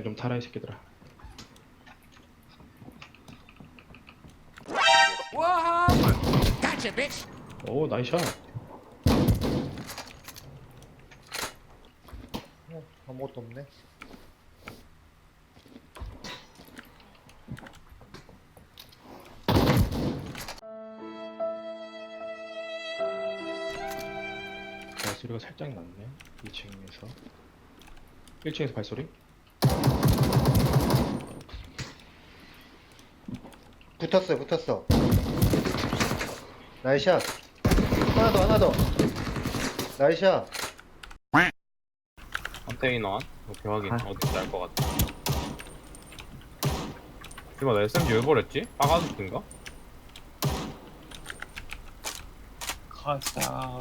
그냥 좀 타라 이 새끼들아. 와! Gotcha, bitch. 오 나이샷. 아무것도 없네. 발소리가 살짝 났네. 2층에서 1층에서 발소리? 붙었어. 나이샷. 하나 더. 나이샷. 컨테이너 안? 오케이 확인. 어딘지 알 것 같아. 이봐 나 SMG 왜 버렸지? 빠가죽인가? 가자.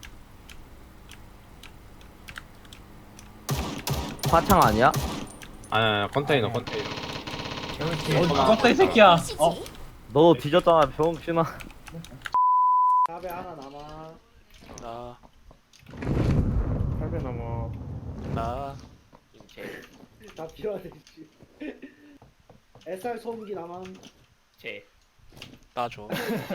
화창 아니야? 아니 컨테이너 아니. 컨테이너. 죽었다 이 새끼야. 너 뒤졌잖아 병신아. 탑에 하나 남아. 나, 8배 넘어. 나. 다 필요하네. SR 소음기 남아. 나 줘.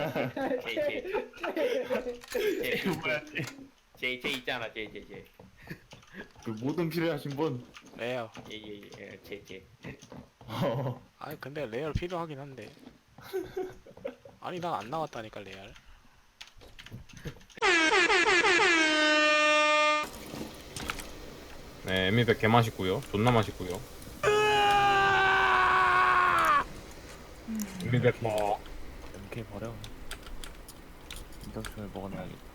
제 있잖아, 제. 그 모든 필요하신 분. 레어. 제. 아니 근데 레알 필요하긴 한데. 아니 난 안 나왔다니까 레알. 네 에미백 개 맛있고요. 존나 맛있고요. 에미백 뭐 이렇게 버려. 인덕션을 먹어놔야겠다.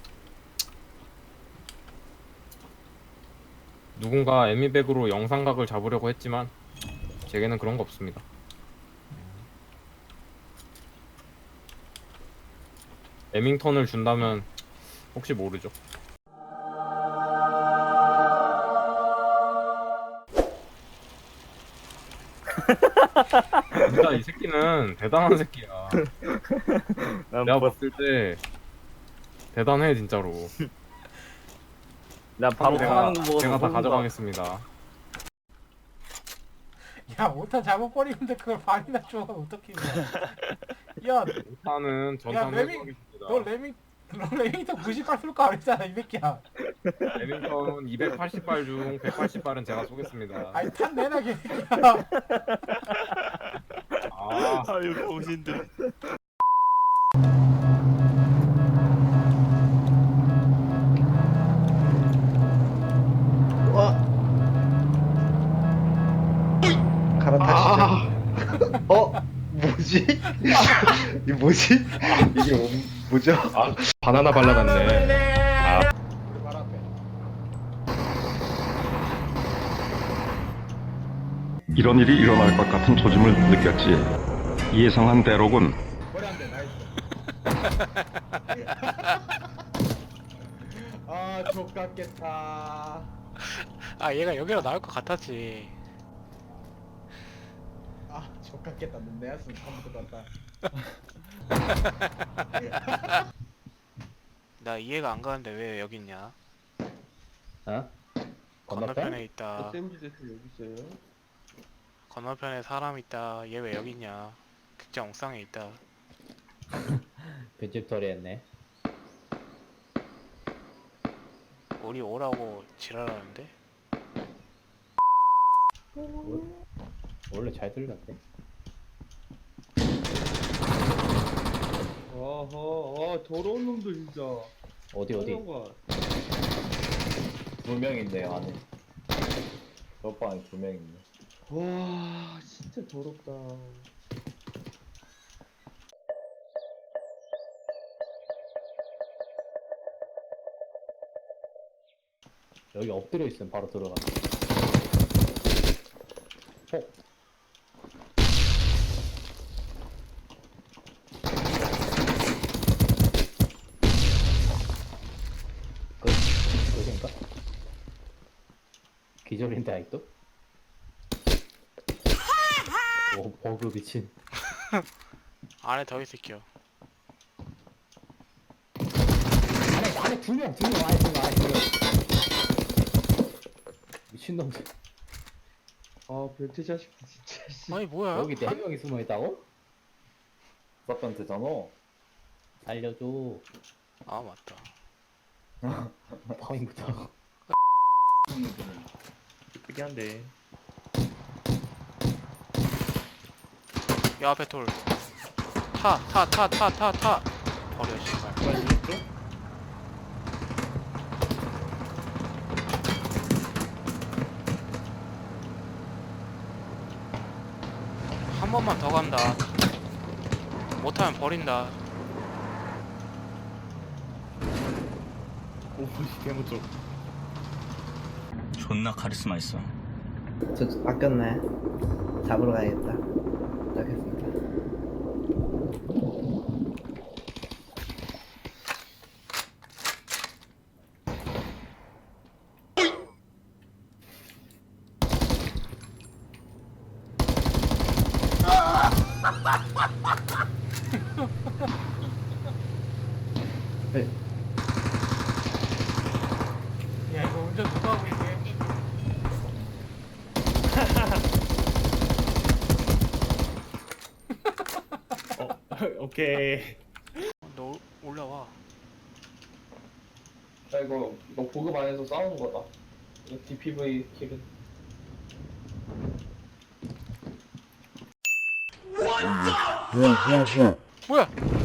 누군가 에미백으로 영상각을 잡으려고 했지만 제게는 그런 거 없습니다. 에밍턴을 준다면 혹시 모르죠. 진짜 이 새끼는 대단한 새끼야. 내가 봤을 때 대단해 진짜로. 나 바로 타는 거 보고 제가 다 가져가겠습니다. 야, 오타 잘못 버리는데 그걸 반이나 줘. 어떻게 야, 일단은 야, 전탄 레밍, 해보겠습니다. 너 레밍턴 90발 쏠 거 아니잖아, 이 새끼야. 레밍턴 280발 중 180발은 제가 쏘겠습니다. 아니, 탄 내놔, 개새끼야. 아, 아유 병신들. 와. 갈아타시죠. 뭐지? 이 뭐지? 이게 뭐죠? 아 바나나 발라놨네. 이런 일이 일어날 것 같은 조짐을 느꼈지. 예상한 대로군. 아, 족같겠다. 아 얘가 여기로 나올 것 같았지. 아, 족같겠다. 내였으면 처음부터 봤다. 나 이해가 안 가는데 왜 여기 있냐? 어? 건너편에 있다. SMG 세트 여기 있어요. 건너편에 사람 있다. 얘 왜 여기 있냐? 극장 옥상에 있다. 빈집털이 했네. 우리 오라고 지랄하는데? 원래 잘 들렸대. 아하, 더러운 놈들 진짜. 어디 거. 2명 있네요 안에. 저 방에 2명 있네. 와, 진짜 더럽다. 여기 엎드려 있으면 바로 들어가. 그인가? 기절인데 아직도? 오 버그 미친. 안에 더 있을게요. 안에 2명 안에 2명. 미친놈들. 아 변태 자식 진짜. 씨. 아니 뭐야? 여기 4명이 숨어 있다고? 서편트잖아. 살려줘. 아 맞다. 파밍부터. 이쁘게 한데. 야 앞에 돌. 타. 버려 씨발. 한 번만 더 간다. 못하면 버린다. 오, 개무쪽. 존나 카리스마 있어. 저 아꼈네. 잡으러 가야겠다. 시작했습니다. 야 이거 운전 누가 하고 있게? 오케이. 너 올라와. 야, 이거 보급 안에서 싸우는 거다. 이거 DPV 킬은. 뭐야?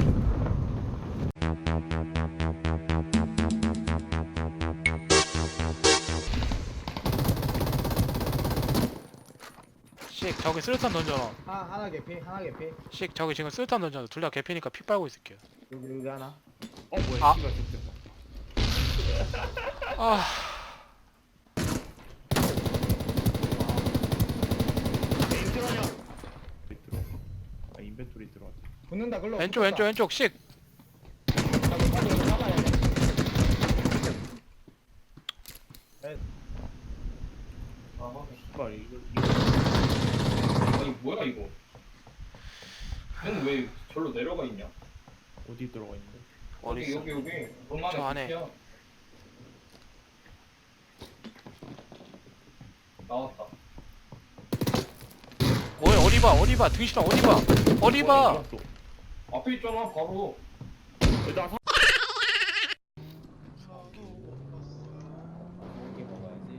씩 저기 수류탄 던져놔. 하나 개피, 하나 개피. 씩 저기 지금 수류탄 던져놔. 둘 다 개피니까 피 빨고 있을게요. 여기 하나. 어, 뭐야, 아. 씨발, 진짜. 아 아, 인벤토리 들어왔지. 붙는다 글로. 왼쪽 씩. 아, 씨발, 아니, 뭐야, 이거. 얘는 왜 절로 내려가 있냐? 어디 들어가 있는데? 어디 있어? 여기. 저 안에. 나왔다. 뭐야? 어디 봐? 등신아 어디 봐? 앞에 있잖아, 바로. 일단 이렇게 먹어야지.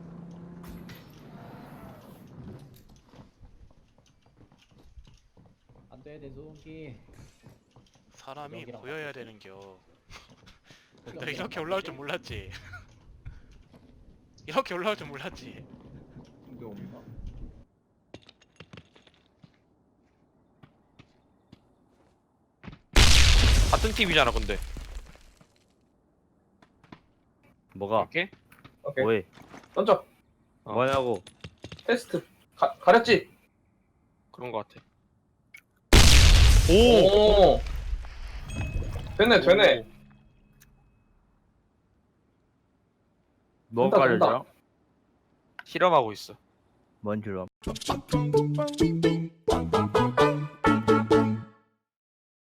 안 돼, 내 소음기. 사람이 여기랑 보여야 되는겨. 너 이렇게 올라올 줄 몰랐지. 이렇게 올라올 줄 몰랐지. 근데 없나? 같은 팀이잖아 근데. 뭐가? 오케이. 뭐해? 던져. 뭐냐고? 테스트. 가렸지? 그런 거 같아. 오! 되네. 뭐 된다, 가려져? 된다. 실험하고 있어. 뭔 줄로?